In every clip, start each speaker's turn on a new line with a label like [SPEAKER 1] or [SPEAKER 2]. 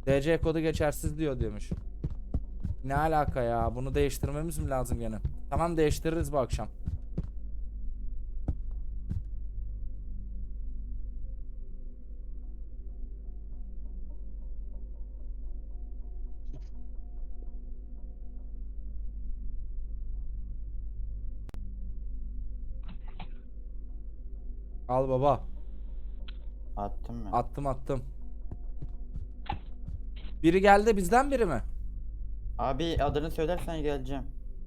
[SPEAKER 1] DC kodu geçersiz diyormuş. Ne alaka ya? Bunu değiştirmemiz mi lazım gene? Tamam, değiştiririz bu akşam. Al baba.
[SPEAKER 2] Attım mı?
[SPEAKER 1] Attım. Biri geldi, bizden biri mi?
[SPEAKER 2] Abi adını söylersen geleceğim.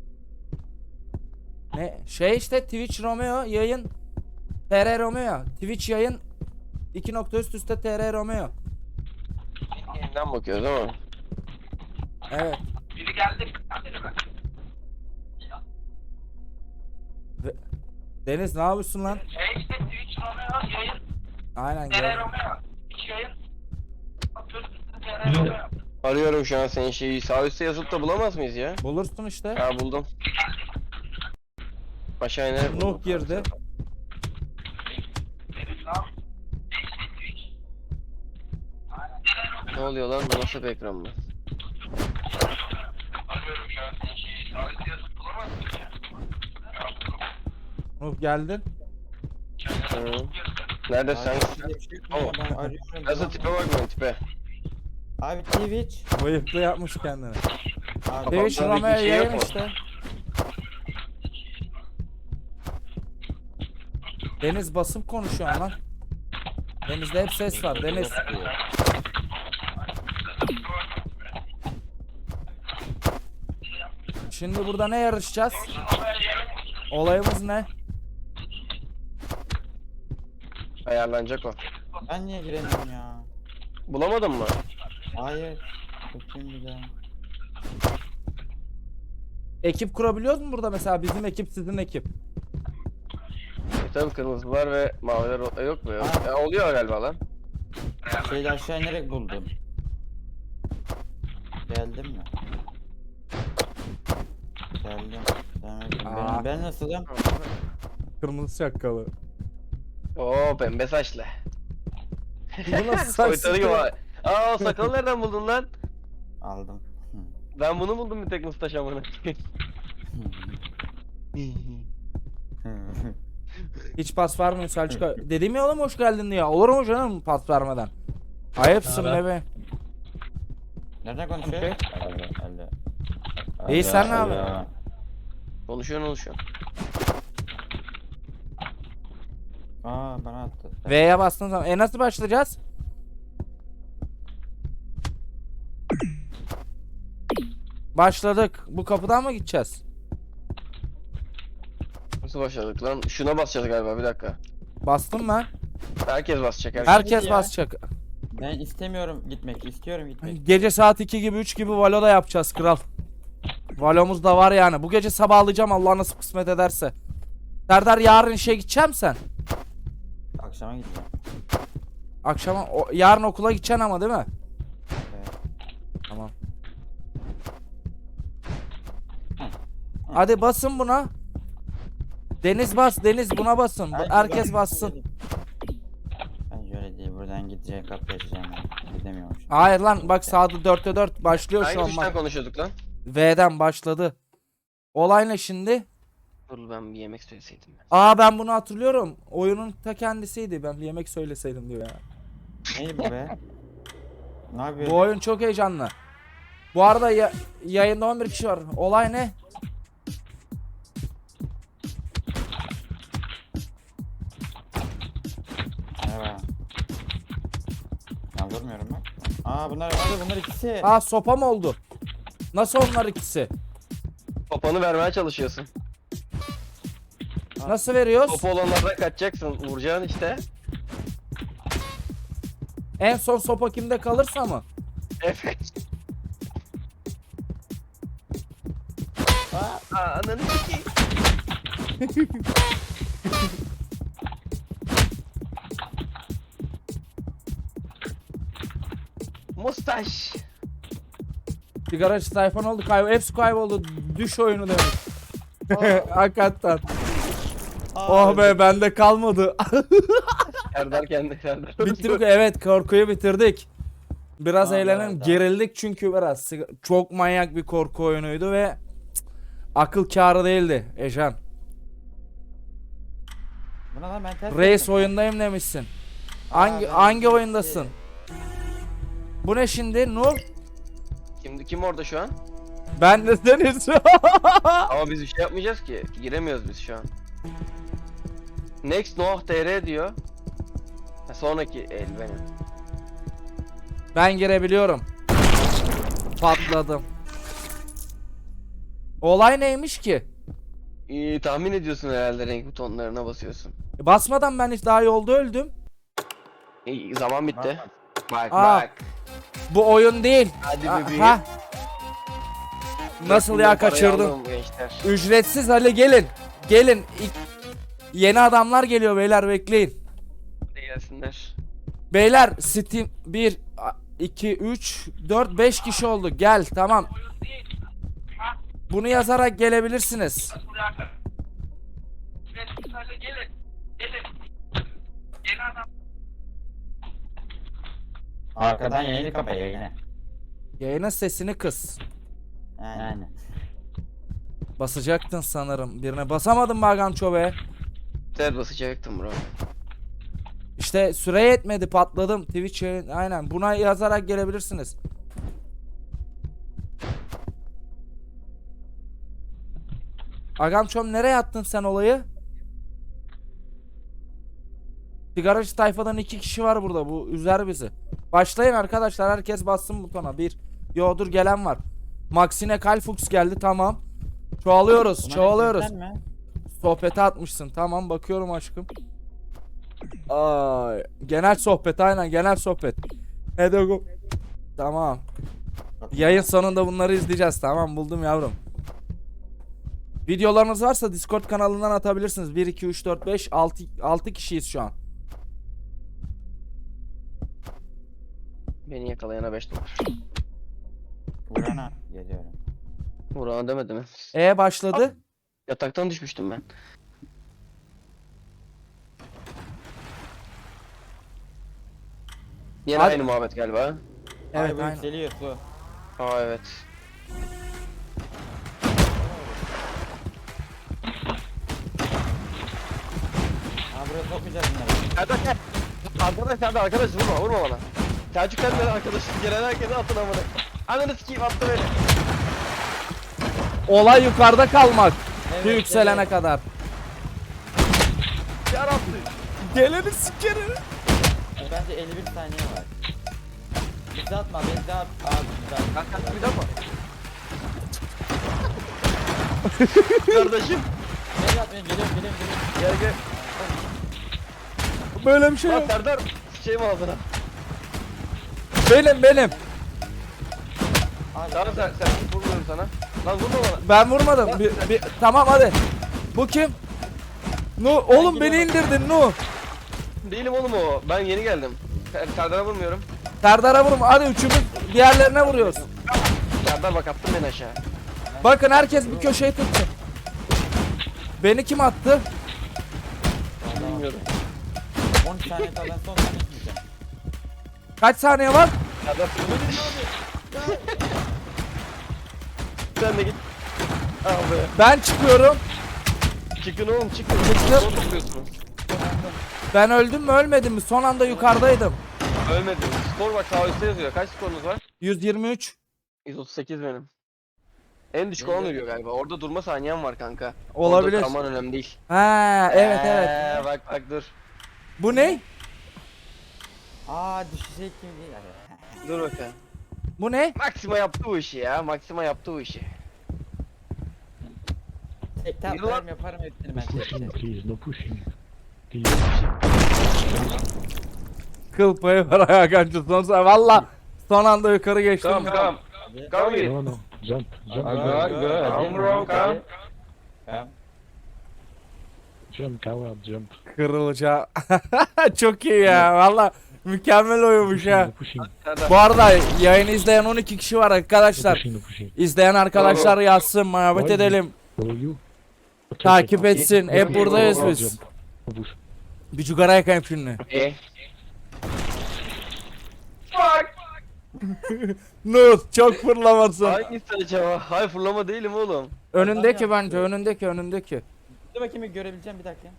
[SPEAKER 1] Ne? Şey işte, Twitch Romeo yayın. TR Romeo. Twitch yayın. 2 nokta üst üste TR Romeo.
[SPEAKER 3] Yeniden bakıyoruz ama.
[SPEAKER 1] Evet.
[SPEAKER 4] Biri geldi. Biri mi?
[SPEAKER 1] Deniz ne yapıyorsun lan?
[SPEAKER 4] Şey işte Twitch Romeo yayın.
[SPEAKER 1] Aynen
[SPEAKER 4] TR
[SPEAKER 1] gel.
[SPEAKER 4] Romeo. Twitch yayın. Atıyoruz TR Romeo.
[SPEAKER 3] Arıyorum şu an senin şeyi. Sağ üstte yazıp da bulamaz mıyız ya?
[SPEAKER 1] Bulursun işte.
[SPEAKER 3] Ha buldum. Aşağı inerek buldum.
[SPEAKER 1] Nuh girdi.
[SPEAKER 4] Benim lan.
[SPEAKER 3] Ne oluyor lan? Bu nasıl bir ekran mı?
[SPEAKER 4] Arıyorum şu an senin şeyi. Sağlıklı yazıp bulamaz mıyız ya?
[SPEAKER 1] Nuh geldin.
[SPEAKER 3] Hı. Nerede sen?
[SPEAKER 2] Tamam. Ben arıyorum.
[SPEAKER 3] Nasıl tipe bak lan tipe.
[SPEAKER 2] Abi Twitch.
[SPEAKER 1] Bıyıklı yapmış kendini.
[SPEAKER 2] Abi,
[SPEAKER 1] Twitch
[SPEAKER 3] Kafamda bir
[SPEAKER 1] Romeo
[SPEAKER 3] şey yok
[SPEAKER 1] yayın
[SPEAKER 3] mu?
[SPEAKER 1] işte. Deniz basıp konuşuyor lan. Deniz'de hep ses var. Deniz. Şimdi burada ne yarışacağız? Olayımız ne?
[SPEAKER 3] Ayarlanacak o.
[SPEAKER 2] ben niye giremiyorum ya?
[SPEAKER 3] Bulamadın mı?
[SPEAKER 2] Hayır. Bakayım bir daha.
[SPEAKER 1] Ekip kurabiliyoruz mu burada mesela? Bizim ekip, sizin ekip.
[SPEAKER 3] Tabii kırmızılar ve maviler yok mu ya?
[SPEAKER 2] Ha.
[SPEAKER 3] Ya oluyor galiba lan.
[SPEAKER 2] Şeyde aşağı inerek buldum. Geldim mi? Geldim.
[SPEAKER 1] Aa.
[SPEAKER 2] Ben nasılım?
[SPEAKER 1] Kırmızı şapkalı.
[SPEAKER 3] Oo pembe saçlı.
[SPEAKER 1] Bu nasıl
[SPEAKER 3] Soytarı
[SPEAKER 1] saçlı?
[SPEAKER 3] gibi. Aa o sakalı nereden buldun lan?
[SPEAKER 2] Aldım.
[SPEAKER 3] Ben bunu buldum bir tek mustaş amına.
[SPEAKER 1] Hiç pas vermiyor Selçuk abi. Dedim ya oğlum hoş geldin diye. Olur mu canım pas vermeden? Ayıpsın bebe.
[SPEAKER 2] Nereden konuşuyor?
[SPEAKER 1] Okey.
[SPEAKER 2] Öyle.
[SPEAKER 1] İyi, sen ne yapıyorsun?
[SPEAKER 3] Konuşuyorsun.
[SPEAKER 2] Aa bana attı.
[SPEAKER 1] V'ye bastığın zaman. Nasıl başlayacağız? Başladık. Bu kapıdan mı gideceğiz?
[SPEAKER 3] Nasıl başladık lan? Şuna basacağız galiba bir dakika.
[SPEAKER 1] Bastım ben.
[SPEAKER 3] Herkes basacak herkes.
[SPEAKER 1] Herkes
[SPEAKER 2] ya.
[SPEAKER 1] basacak.
[SPEAKER 2] Ben istemiyorum gitmek. İstiyorum gitmek.
[SPEAKER 1] Gece saat 2 gibi 3 gibi Valo da yapacağız kral. Valo'muz da var yani. Bu gece sabahlayacağım Allah nasip kısmet ederse. Serdar yarın işe gideceğim sen.
[SPEAKER 2] Akşama gideceğim.
[SPEAKER 1] Akşama yarın okula gideceksin ama değil mi?
[SPEAKER 2] Evet.
[SPEAKER 1] Tamam. Hadi basın buna. Deniz bas, Deniz buna basın. Herkes bassın.
[SPEAKER 2] Ben şöyle değil. Buradan gideceğim kapıyı açacağım. Gidemiyorum şimdi.
[SPEAKER 1] Hayır lan bak sağda 4'te 4 başlıyor şu
[SPEAKER 3] Hangi
[SPEAKER 1] an
[SPEAKER 3] tuştan
[SPEAKER 1] bak.
[SPEAKER 3] konuşuyorduk lan?
[SPEAKER 1] V'den başladı. Olay ne şimdi?
[SPEAKER 3] Dur ben bir yemek söyleseydim ben.
[SPEAKER 1] Aa ben bunu hatırlıyorum. Oyunun ta kendisiydi. Ben bir yemek söyleseydim diyor ya.
[SPEAKER 2] Ney bu be? Ne yapıyor?
[SPEAKER 1] Bu oyun çok heyecanlı. Bu arada yayında 11 kişi var. Olay ne?
[SPEAKER 2] Merhaba. Ben vurmuyorum bak. Aa bunlar ikisi.
[SPEAKER 1] Aa sopa mı oldu? Nasıl onlar ikisi?
[SPEAKER 3] Topanı vermeye çalışıyorsun.
[SPEAKER 1] Nasıl veriyoruz?
[SPEAKER 3] Topu olanlardan kaçacaksın. Vuracaksın işte.
[SPEAKER 1] En son sopa kimde kalırsa mı?
[SPEAKER 3] Evet. Ananı sikeyim. Mustaş.
[SPEAKER 1] Sigaracı tayfan oldu. Hepsi kayboldu. Düş oyunu demiş. Hakikaten. Oh be bende kalmadı.
[SPEAKER 3] Serdar kendi Serdar.
[SPEAKER 1] Bitirdik evet korkuyu bitirdik. Biraz
[SPEAKER 2] Tamam,
[SPEAKER 1] eğlenelim.
[SPEAKER 2] evet,
[SPEAKER 1] Gerildik çünkü biraz. Çok manyak bir korku oyunuydu ve akıl kârı değildi Ejan.
[SPEAKER 2] Buna lan ben ters
[SPEAKER 1] Reis
[SPEAKER 2] yaptım.
[SPEAKER 1] oyundayım demişsin.
[SPEAKER 2] Aa,
[SPEAKER 1] Hangi
[SPEAKER 2] ben
[SPEAKER 1] hangi
[SPEAKER 2] şimdi-
[SPEAKER 1] oyundasın? Bu ne şimdi? Nur?
[SPEAKER 3] Kim orada şu an?
[SPEAKER 1] Ben de seniz.
[SPEAKER 3] Ama biz bir şey yapmayacağız ki. Giremiyoruz biz şu an. Next Noah TR diyor. Ha, sonraki el benim.
[SPEAKER 1] Ben girebiliyorum. Patladım. Olay neymiş ki?
[SPEAKER 3] Tahmin ediyorsun herhalde, renk butonlarına basıyorsun.
[SPEAKER 1] Basmadan ben hiç daha yolda öldüm.
[SPEAKER 3] Zaman bitti. Bak
[SPEAKER 1] Aa.
[SPEAKER 3] bak.
[SPEAKER 1] Bu oyun değil.
[SPEAKER 3] Hadi bebeğim.
[SPEAKER 1] Ha. Nasıl ya,
[SPEAKER 3] Bundan parayı
[SPEAKER 1] kaçırdım.
[SPEAKER 3] aldım gençler.
[SPEAKER 1] Ücretsiz, hadi gelin. Gelin. Yeni adamlar geliyor beyler, bekleyin.
[SPEAKER 3] Hadi gelsinler.
[SPEAKER 1] Beyler Steam 1 2 3 4 5 kişi oldu. Gel tamam.
[SPEAKER 4] Oyun değil. Ha?
[SPEAKER 1] Bunu yazarak gelebilirsiniz.
[SPEAKER 4] Nasıl alaka? Ücretsiz hale gelin. Gelin. Yeni adam.
[SPEAKER 2] Arkadan yayını kapıyor yine.
[SPEAKER 1] Yayının sesini kıs.
[SPEAKER 2] Yani.
[SPEAKER 1] Basacaktın sanırım. Birine basamadın mı Agamço be?
[SPEAKER 3] Ter basacaktım bro.
[SPEAKER 1] İşte süre yetmedi, patladım. Twitch yayın, aynen. Buna yazarak gelebilirsiniz. Agamçom, nereye attın sen olayı? Sigaracı tayfadan 2 kişi var burada. Bu üzer bizi. Başlayın arkadaşlar. Herkes bassın butona. Yo dur, gelen var. Maxine Kalfux geldi, tamam. Çoğalıyoruz.
[SPEAKER 2] Bunlar
[SPEAKER 1] Çoğalıyoruz.
[SPEAKER 2] sen mi?
[SPEAKER 1] Sohbete atmışsın. Tamam, bakıyorum aşkım. Ay, genel sohbet, aynen genel sohbet. Hadi go. Tamam. Yayın sonunda bunları izleyeceğiz. Tamam, buldum yavrum. Videolarınız varsa Discord kanalından atabilirsiniz. 1 2 3 4 5 6 kişiyiz şu an.
[SPEAKER 3] Beni yakalayana 5 dolar.
[SPEAKER 2] Vurana geliyorum.
[SPEAKER 3] Vuran demedi mi?
[SPEAKER 1] Başladı.
[SPEAKER 3] Yataktan düşmüştüm ben. Yine
[SPEAKER 1] Hadi.
[SPEAKER 3] aynı muhabbet galiba.
[SPEAKER 1] Evet,
[SPEAKER 2] Ay, bu
[SPEAKER 1] aynen.
[SPEAKER 2] yükseliyor su.
[SPEAKER 3] Aa evet.
[SPEAKER 2] Aa buraya sokmayacağız bunları.
[SPEAKER 3] Serdar gel. Arkadaş vurma bana. Selçuk sen de arkadaş. Gelen herkese atın amına. Ananı sikeyim, attı beni.
[SPEAKER 1] Olay yukarıda kalmak.
[SPEAKER 2] Evet,
[SPEAKER 1] Su yükselene
[SPEAKER 2] evet.
[SPEAKER 1] kadar.
[SPEAKER 3] Yarattı.
[SPEAKER 1] Geleni sikerim.
[SPEAKER 2] Bence 51 saniye var. Bizi atma, bizi at. Aa bizi at.
[SPEAKER 3] Kanka bir dakika. Kardeşim.
[SPEAKER 2] Beni at, beni geliyorum.
[SPEAKER 3] Gel gel.
[SPEAKER 1] Böyle bir şey
[SPEAKER 3] Lan
[SPEAKER 1] yok.
[SPEAKER 3] Serdar. Şey mi ağzına?
[SPEAKER 1] Benim.
[SPEAKER 2] Abi,
[SPEAKER 3] Tamam sen vurmuyorum sana. Lan vurma bana.
[SPEAKER 1] Ben vurmadım. Tamam hadi. Bu kim? Oğlum beni indirdin Nu.
[SPEAKER 3] Değilim oğlum o. Ben yeni geldim. Serdar'a vurmuyorum.
[SPEAKER 1] Serdar'a vurma. Hadi üçümüz diğerlerine vuruyoruz.
[SPEAKER 3] Serdar bak, attın beni aşağı.
[SPEAKER 1] Bakın herkes bir köşeyi tutsun. Beni kim attı?
[SPEAKER 3] Bilmiyorum.
[SPEAKER 2] 13 saniye kala ben son saniye gideceğim.
[SPEAKER 1] Kaç saniye var?
[SPEAKER 3] Serdar sen de git. Abi.
[SPEAKER 1] Ben çıkıyorum.
[SPEAKER 3] Çıkın oğlum çıkın.
[SPEAKER 1] Çıktım.
[SPEAKER 3] Zor tutuyorsunuz.
[SPEAKER 1] Ben öldüm mü ölmedim mi? Son anda yukarıdaydım.
[SPEAKER 3] Ölmedim. Skor bak sağ üstte yazıyor. Kaç skorunuz var?
[SPEAKER 1] 123.
[SPEAKER 3] 138 benim. En düşük olan ölüyor galiba. Orada durma saniyen var kanka.
[SPEAKER 1] Olabilir.
[SPEAKER 3] Orada kalman önemli değil.
[SPEAKER 1] Ha evet.
[SPEAKER 3] Bak dur.
[SPEAKER 1] Bu ne?
[SPEAKER 2] Aa düşecek gibi değil. Hadi.
[SPEAKER 3] Dur bakalım.
[SPEAKER 1] Bu ne?
[SPEAKER 3] Maxima yaptı bu işi ya. Maxima yaptı bu işi.
[SPEAKER 2] Tek taplarım yaparım hepsini ben tek
[SPEAKER 5] Pushing,
[SPEAKER 2] tek.
[SPEAKER 5] please, no pushing. Please.
[SPEAKER 1] Kıl payı var Hakan'cı. Valla son anda yukarı geçtim.
[SPEAKER 3] Tamam.
[SPEAKER 2] Hadi.
[SPEAKER 3] Come in.
[SPEAKER 5] No, no, jump.
[SPEAKER 3] Come bro, come.
[SPEAKER 2] Tamam.
[SPEAKER 5] Jump, coward, jump.
[SPEAKER 1] Kırılacağım. Çok iyi ya. Valla mükemmel oyunmuş ha.
[SPEAKER 5] No pushing,
[SPEAKER 3] Serdar.
[SPEAKER 1] Bu arada yayını izleyen 12 kişi var
[SPEAKER 5] no
[SPEAKER 1] arkadaşlar.
[SPEAKER 5] pushing, no pushing.
[SPEAKER 1] İzleyen arkadaşlar yazsın, muhabbet
[SPEAKER 5] Vay be.
[SPEAKER 1] edelim.
[SPEAKER 5] Follow you.
[SPEAKER 1] Takip etsin. Hep
[SPEAKER 3] Okey,
[SPEAKER 1] buradayız
[SPEAKER 3] bravo,
[SPEAKER 1] biz.
[SPEAKER 5] Jump. No push.
[SPEAKER 1] Bir cigara yakayım şimdi.
[SPEAKER 3] Eh.
[SPEAKER 1] Nuh çok fırlamasın.
[SPEAKER 3] Hangisi acaba? Hayır fırlama değilim oğlum.
[SPEAKER 1] Önündeki
[SPEAKER 2] Adam
[SPEAKER 1] bence
[SPEAKER 2] yaptı.
[SPEAKER 1] önündeki.
[SPEAKER 2] Dur bakayım bir görebileceğim bir dakika.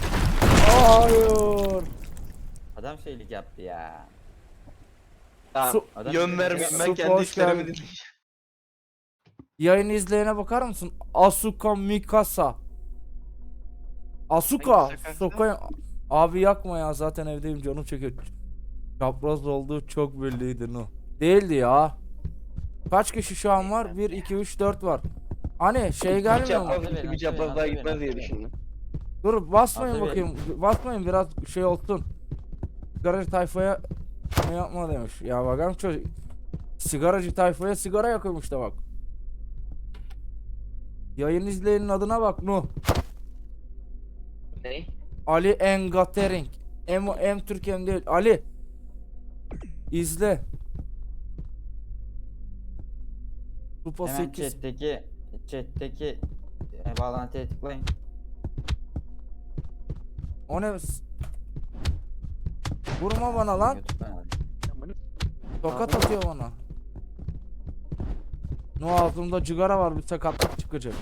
[SPEAKER 1] Hayır.
[SPEAKER 2] Adam şeylik yaptı ya.
[SPEAKER 3] Tamam.
[SPEAKER 1] Su-
[SPEAKER 2] Adam
[SPEAKER 3] Yön
[SPEAKER 2] bir-
[SPEAKER 3] vermeyeyim ben
[SPEAKER 1] Su
[SPEAKER 3] kendi
[SPEAKER 1] hoş
[SPEAKER 3] işlerimi
[SPEAKER 1] geldin.
[SPEAKER 3] dinleyeceğim.
[SPEAKER 1] Yayın izleyene bakar mısın? Asuka Mikasa. Asuka.
[SPEAKER 3] Hangisi kanka?
[SPEAKER 1] Soka. Abi yakma ya zaten evdeyim canım çekiyor. Çapraz olduğu çok belliydi no. Değildi ya. Kaç kişi şu an var? 1, 2, 3, 4 var. Hani şey
[SPEAKER 3] Bir
[SPEAKER 1] gelmiyor mu?
[SPEAKER 3] çapraz,
[SPEAKER 2] Nasıl
[SPEAKER 3] bir
[SPEAKER 2] verin,
[SPEAKER 3] çapraz
[SPEAKER 2] nasıl
[SPEAKER 3] daha
[SPEAKER 2] verin,
[SPEAKER 3] gitmez
[SPEAKER 2] nasıl
[SPEAKER 3] diye
[SPEAKER 2] verin?
[SPEAKER 3] düşündüm.
[SPEAKER 1] Dur basmayın
[SPEAKER 2] Nasıl
[SPEAKER 1] bakayım. Basmayın biraz şey olsun. Sigaracı tayfaya ne yapma demiş. Ya bakalım çocuk. Sigaracı tayfaya sigara yakıyormuş da bak. Yayın izleyenin adına bak Nuh.
[SPEAKER 3] Ne?
[SPEAKER 1] Ali Engatering. M Türkiye'm değil. Ali. İzle. Kupa
[SPEAKER 2] Hemen
[SPEAKER 1] 8.
[SPEAKER 2] chat'teki bağlantıya tıklayın.
[SPEAKER 1] O ne? Vurma bana lan.
[SPEAKER 2] YouTube'dan aldım.
[SPEAKER 1] Tokat atıyor bana. No ağzımda cigara var, bir sakatlık çıkacak.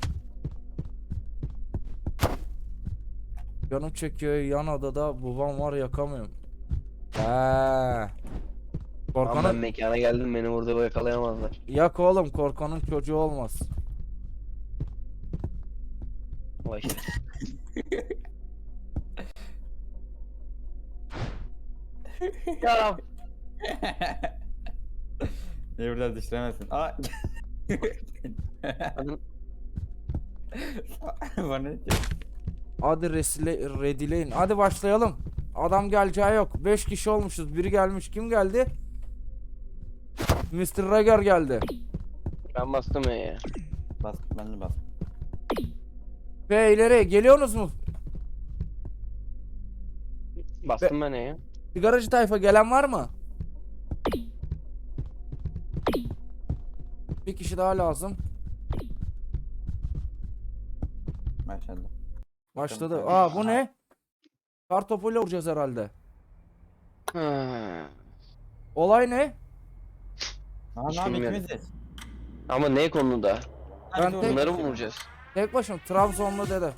[SPEAKER 1] Canım çekiyor yan odada, babam var yakamıyorum.
[SPEAKER 3] Tamam ben
[SPEAKER 1] Korkanın
[SPEAKER 3] mekana geldim beni burada yakalayamazlar.
[SPEAKER 1] yak oğlum, korkanın çocuğu olmaz.
[SPEAKER 3] Vay işte. Ya
[SPEAKER 2] Niye buradan düşüremezsin? Aa. Bana ne diyor?
[SPEAKER 1] Hadi redileyin. Hadi başlayalım. Adam geleceği yok. 5 kişi olmuşuz. Biri gelmiş. Kim geldi? Mr. Rager geldi.
[SPEAKER 3] ben bastım ya.
[SPEAKER 2] Bas, ben de bas.
[SPEAKER 1] Ve ileri geliyorsunuz mu?
[SPEAKER 3] Bastım ben ya.
[SPEAKER 1] Sigaracı tayfa gelen var mı? Bir kişi daha lazım.
[SPEAKER 2] Maşallah.
[SPEAKER 1] Başladı. Aa bu ne? Kartopuyla vuracağız herhalde. Olay ne?
[SPEAKER 2] Aa,
[SPEAKER 3] Hiç
[SPEAKER 2] ne yapayım,
[SPEAKER 3] bilmiyorum.
[SPEAKER 2] ikimiziz.
[SPEAKER 3] Ama ne konuda?
[SPEAKER 1] Ben
[SPEAKER 2] doğru.
[SPEAKER 1] tek-
[SPEAKER 3] Bunları mı vuracağız?
[SPEAKER 1] Tek başım Trabzonlu dede.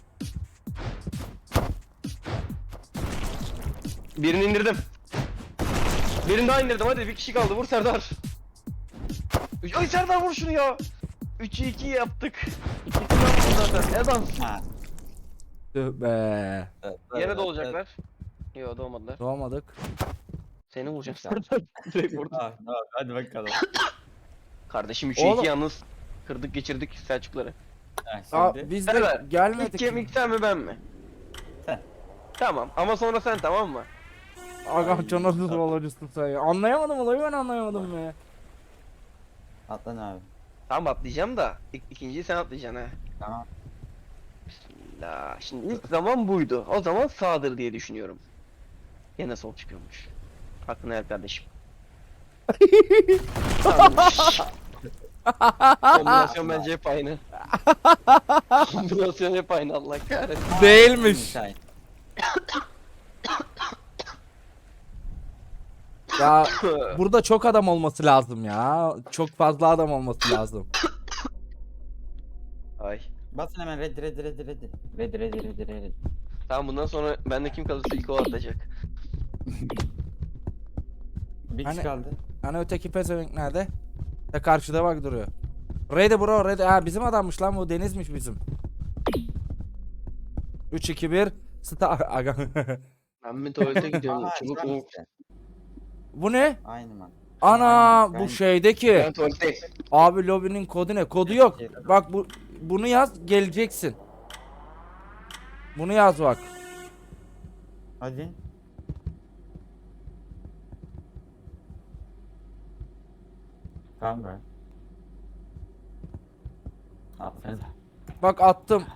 [SPEAKER 3] Birini indirdim. Birini daha indirdim hadi bir kişi kaldı vur Serdar. Ay Serdar vur şunu ya. 3'ü 2 yaptık. İkisini yaptım zaten. Ne adam?
[SPEAKER 2] Ha.
[SPEAKER 1] Tüh be.
[SPEAKER 3] Yere de olacaklar. Yo doğmadılar.
[SPEAKER 1] Doğmadık.
[SPEAKER 3] Seni vuracağım Serdar. Direkt vurdum.
[SPEAKER 2] Ah, tamam, hadi bakalım.
[SPEAKER 3] Kardeşim 3'ü
[SPEAKER 1] Oğlum.
[SPEAKER 3] 2 yalnız. Kırdık geçirdik Selçukları.
[SPEAKER 2] Ha,
[SPEAKER 1] Aa,
[SPEAKER 2] şimdi.
[SPEAKER 1] biz de
[SPEAKER 3] Serdar, İlk
[SPEAKER 1] gelmedik.
[SPEAKER 3] kemik sen mi ben mi?
[SPEAKER 2] Sen.
[SPEAKER 3] Tamam ama sonra sen tamam mı?
[SPEAKER 1] Agam canasız olacısın sen ya. Anlayamadım olayı, ben anlayamadım be.
[SPEAKER 2] Atlan abi.
[SPEAKER 3] Tamam atlayacağım da ikinciyi sen atlayacaksın ha.
[SPEAKER 2] Tamam.
[SPEAKER 3] Bismillah. Şimdi ilk zaman buydu. O zaman sağdır diye düşünüyorum. Yine sol çıkıyormuş. Aklına el kardeşim. Tamammış. Kombinasyon bence hep aynı. Kombinasyon hep aynı Allah kahretsin.
[SPEAKER 1] Değilmiş.
[SPEAKER 2] Şahin.
[SPEAKER 1] Ya burada çok adam olması lazım ya. Çok fazla adam olması lazım.
[SPEAKER 3] Ay.
[SPEAKER 2] Basın hemen red. Red.
[SPEAKER 3] Tamam bundan sonra bende kim kalırsa ilk o atacak.
[SPEAKER 2] Bir kişi
[SPEAKER 1] Hani-
[SPEAKER 2] kaldı.
[SPEAKER 1] Hani öteki pezevenk nerede? De karşıda bak duruyor. Ready bro ready. Ha bizim adammış lan, bu Deniz'miş bizim. 3 2 1 Star. Aga.
[SPEAKER 3] Ben bir tuvalete gidiyorum.
[SPEAKER 2] Aa,
[SPEAKER 3] Çabuk
[SPEAKER 2] tamam
[SPEAKER 3] in.
[SPEAKER 2] işte.
[SPEAKER 1] Bu ne?
[SPEAKER 2] Aynı man.
[SPEAKER 1] Ana
[SPEAKER 2] Aynen,
[SPEAKER 1] bu
[SPEAKER 2] ben-
[SPEAKER 1] şeydeki.
[SPEAKER 3] Ben tuvaletteyim.
[SPEAKER 1] Abi lobinin kodu ne? Kodu yok. Bak bunu yaz, geleceksin. Bunu yaz bak.
[SPEAKER 2] Hadi. Tamam be. Aferin.
[SPEAKER 1] Bak attım.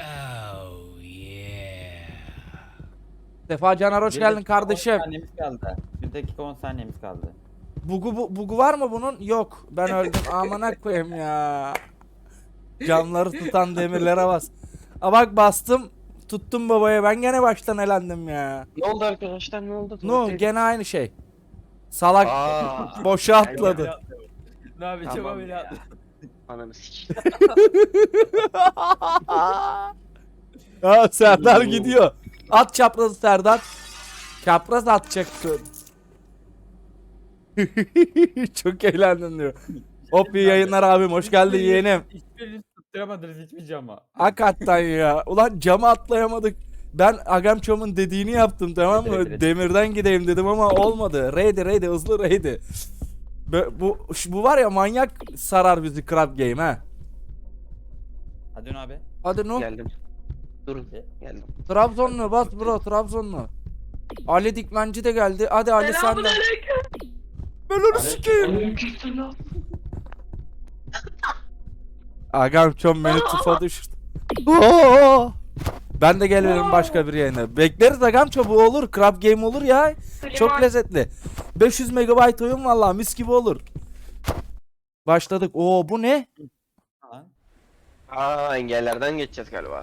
[SPEAKER 1] Sefa Caner hoş
[SPEAKER 2] Bir
[SPEAKER 1] geldin
[SPEAKER 2] dakika, 10
[SPEAKER 1] kardeşim.
[SPEAKER 2] saniyemiz kaldı. 1 dakika 10 saniyemiz kaldı.
[SPEAKER 1] Bugu var mı bunun? Yok. Ben öldüm. Amına koyayım ya. Camları tutan demirlere bas. Aa bak bastım. Tuttum babaya. Ben gene baştan elendim ya.
[SPEAKER 3] Ne oldu arkadaşlar ne oldu?
[SPEAKER 1] No gene aynı şey. Salak
[SPEAKER 3] Aa,
[SPEAKER 1] boşa atladı.
[SPEAKER 2] Ne yapacağım
[SPEAKER 3] Tamam
[SPEAKER 2] abi
[SPEAKER 3] ya.
[SPEAKER 2] ya.
[SPEAKER 3] Ananı sik.
[SPEAKER 1] Ha, Serdar gidiyor. At çaprazı Serdar. Çapraz atacaksın. Çok eğlendim diyor. Hop iyi yayınlar abim. Hoş geldin yeğenim.
[SPEAKER 2] Hiçbirini tutturamadınız hiçbir cama.
[SPEAKER 1] Hakikaten ya. Ulan cama atlayamadık. Ben Agamchom'un dediğini yaptım tamam mı?
[SPEAKER 2] Evet.
[SPEAKER 1] Demirden gideyim dedim ama olmadı. Raid'i hızlı raid'i. Bu var ya manyak sarar bizi Crab Game ha.
[SPEAKER 2] Hadi Ünal abi.
[SPEAKER 1] Hadi no.
[SPEAKER 3] Geldim. Durun. Geldim.
[SPEAKER 1] Trabzonlu bas bro Trabzonlu. Ali Dikmenci de geldi. Hadi Ali sen de.
[SPEAKER 4] Selamünaleyküm.
[SPEAKER 1] Ben onu sikeyim. Agamchom beni tufa düşürdü. Oo! Ben de gelirim başka bir yayına. Bekleriz Agamchom bu olur. Crab Game olur ya. Çok lezzetli. 500 MB oyun vallahi mis gibi olur. Başladık. Oo bu ne?
[SPEAKER 2] Lan.
[SPEAKER 3] Aa, engellerden geçeceğiz galiba.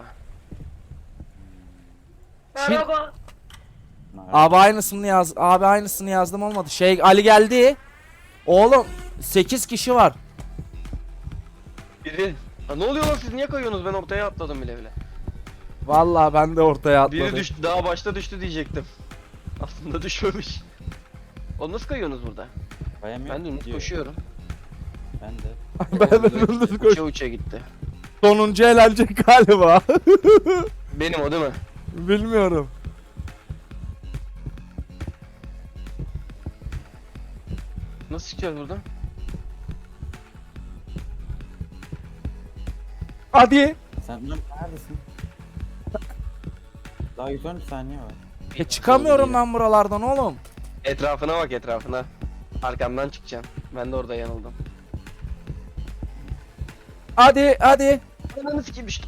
[SPEAKER 4] Merhaba.
[SPEAKER 1] Abi aynısını yazdım olmadı. Ali geldi. Oğlum 8 kişi var.
[SPEAKER 3] Biri. Ha, ne oluyor lan, siz niye kayıyorsunuz? Ben ortaya atladım bile bile.
[SPEAKER 1] Vallahi ben de ortaya
[SPEAKER 3] Biri
[SPEAKER 1] atladım.
[SPEAKER 3] düştü, daha başta düştü diyecektim. Aslında düşmemiş. O nasıl kayıyorsunuz burada?
[SPEAKER 2] Bayamıyorum.
[SPEAKER 3] Ben de
[SPEAKER 2] Gidiyor.
[SPEAKER 3] koşuyorum.
[SPEAKER 2] Ben de.
[SPEAKER 1] Ben de dümdüz koş.
[SPEAKER 3] Uça uça gitti.
[SPEAKER 1] Sonuncu eğlenecek galiba.
[SPEAKER 3] Benim o değil mi?
[SPEAKER 1] Bilmiyorum.
[SPEAKER 3] Nasıl çıkacağız buradan?
[SPEAKER 1] Hadi.
[SPEAKER 2] Sen neredesin? Daha 113 saniye var.
[SPEAKER 1] Çıkamıyorum ben buralardan oğlum.
[SPEAKER 3] Etrafına bak, etrafına. Arkamdan çıkacaksın. Ben de orada yanıldım.
[SPEAKER 1] Hadi.
[SPEAKER 3] Ananı sikeyim düştüm.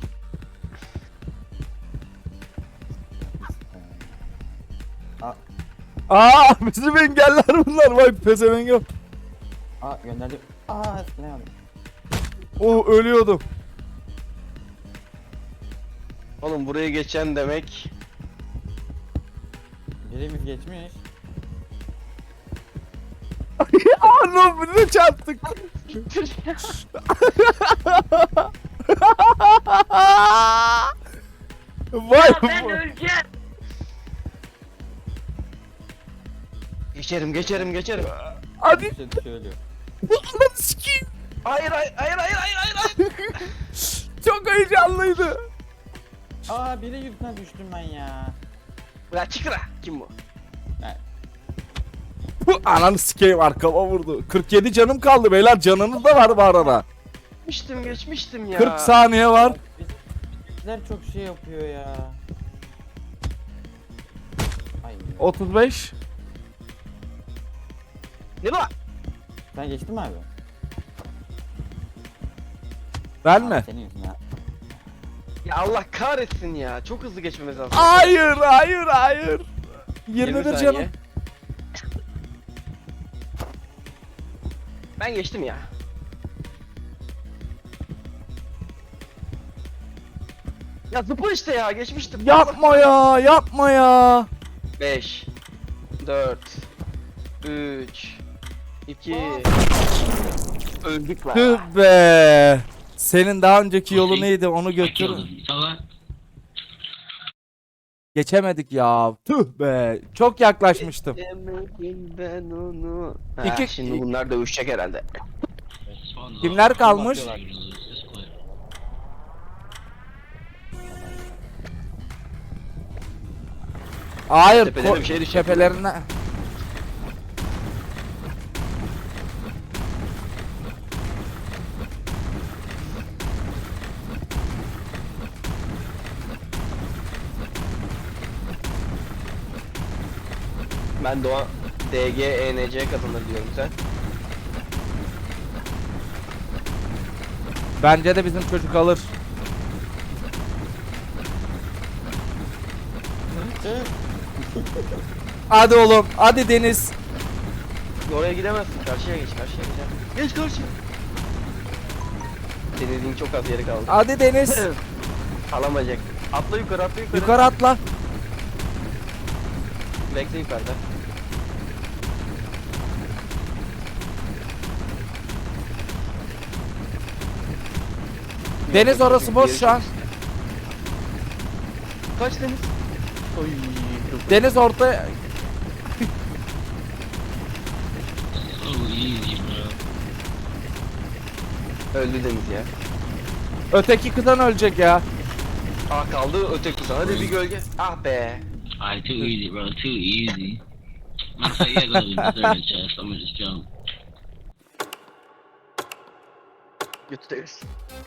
[SPEAKER 1] Bizim engeller bunlar. Vay pezevenk yok.
[SPEAKER 2] Aa gönderdim. Aa eskileyamadım.
[SPEAKER 1] Oh ölüyordum.
[SPEAKER 3] Oğlum buraya geçen demek.
[SPEAKER 2] Birimiz geçmiş.
[SPEAKER 1] Lan bir de çarptık. Vay
[SPEAKER 4] Ya ben öleceğim.
[SPEAKER 3] Geçerim.
[SPEAKER 1] Hadi.
[SPEAKER 2] Bir şey ölüyor.
[SPEAKER 1] Lan sikeyim.
[SPEAKER 3] Hayır.
[SPEAKER 1] Çok heyecanlıydı.
[SPEAKER 2] Aa biri yüzünden düştüm ben ya.
[SPEAKER 3] Ya çıkıra. Kim bu?
[SPEAKER 1] Ananı sikeyim arkama vurdu. 47 canım kaldı beyler. Canınız da var bu arada.
[SPEAKER 3] Geçmiştim ya.
[SPEAKER 1] 40 saniye var.
[SPEAKER 2] Bizler çok şey yapıyor ya. Ay.
[SPEAKER 1] 35.
[SPEAKER 3] Ne bu?
[SPEAKER 2] Sen geçtin mi abi?
[SPEAKER 1] Ben
[SPEAKER 2] Aa,
[SPEAKER 1] mi?
[SPEAKER 2] Senin yüzünden.
[SPEAKER 3] Ya Allah kahretsin ya. Çok hızlı geçmemiz lazım.
[SPEAKER 1] Hayır. 21
[SPEAKER 3] saniye.
[SPEAKER 1] canım.
[SPEAKER 3] Ben geçtim ya. Ya zıpla işte ya, geçmiştim.
[SPEAKER 1] Yapma ya.
[SPEAKER 3] 5 4 3 2 Öldük lan.
[SPEAKER 1] Tüh be. Senin daha önceki yolu neydi onu götür. Geçemedik ya. Tüh be. Çok yaklaşmıştım.
[SPEAKER 3] Demedim ben onu. Ha,
[SPEAKER 1] İki-
[SPEAKER 3] şimdi bunlar dövüşecek herhalde.
[SPEAKER 1] Kimler kalmış? Hayır.
[SPEAKER 3] Tepelerine bir şey düşecek.
[SPEAKER 1] Tepelerine.
[SPEAKER 3] Ben Doğan DG ENC kazanır diyorum sen.
[SPEAKER 1] Bence de bizim çocuk alır. Hadi oğlum. Hadi Deniz.
[SPEAKER 3] Oraya gidemezsin. Karşıya geç. Geç karşıya. Deniz'in çok az yeri kaldı.
[SPEAKER 1] Hadi Deniz.
[SPEAKER 3] Alamayacak. Atla yukarı.
[SPEAKER 1] Yukarı atla.
[SPEAKER 3] Bekle yukarıda.
[SPEAKER 1] Deniz orası boş şu an.
[SPEAKER 3] Kaç Deniz? Oy. Çok...
[SPEAKER 1] Deniz orta.
[SPEAKER 3] Öldü Deniz ya.
[SPEAKER 1] Öteki kıtan ölecek ya.
[SPEAKER 3] Ah kaldı öteki kutu. Hadi bir gölge. Ah be.
[SPEAKER 6] Alright, too easy, bro. Too easy. Matter of fact, yeah, go to the third chest. I'm gonna just jump.
[SPEAKER 3] Götü Deniz.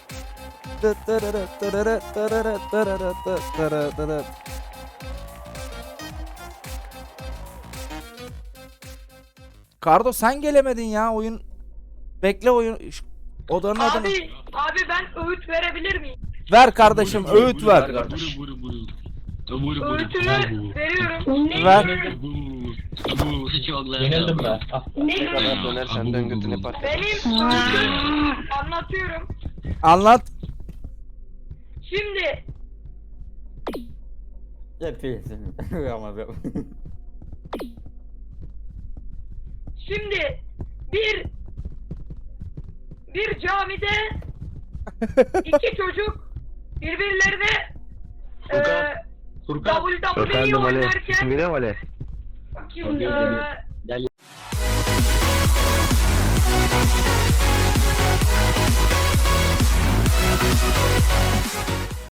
[SPEAKER 1] Kardo sen gelemedin ya oyun. Bekle oyun. Odanın adını.
[SPEAKER 4] Abi ben öğüt verebilir miyim?
[SPEAKER 1] Ver kardeşim öğüt ver.
[SPEAKER 3] Kardeş.
[SPEAKER 4] Öğütünü veriyorum.
[SPEAKER 1] Ver.
[SPEAKER 6] Yenildim ben.
[SPEAKER 3] Ne kadar dönersen dön götüne pat.
[SPEAKER 4] Benim öğütüm anlatıyorum.
[SPEAKER 1] Anlat.
[SPEAKER 4] Şimdi
[SPEAKER 2] Yapıyorsun. Ama
[SPEAKER 4] Şimdi bir camide iki çocuk birbirlerine
[SPEAKER 3] Furkan.
[SPEAKER 4] WWE oynarken
[SPEAKER 3] İsmi ne Vale?
[SPEAKER 4] bakayım,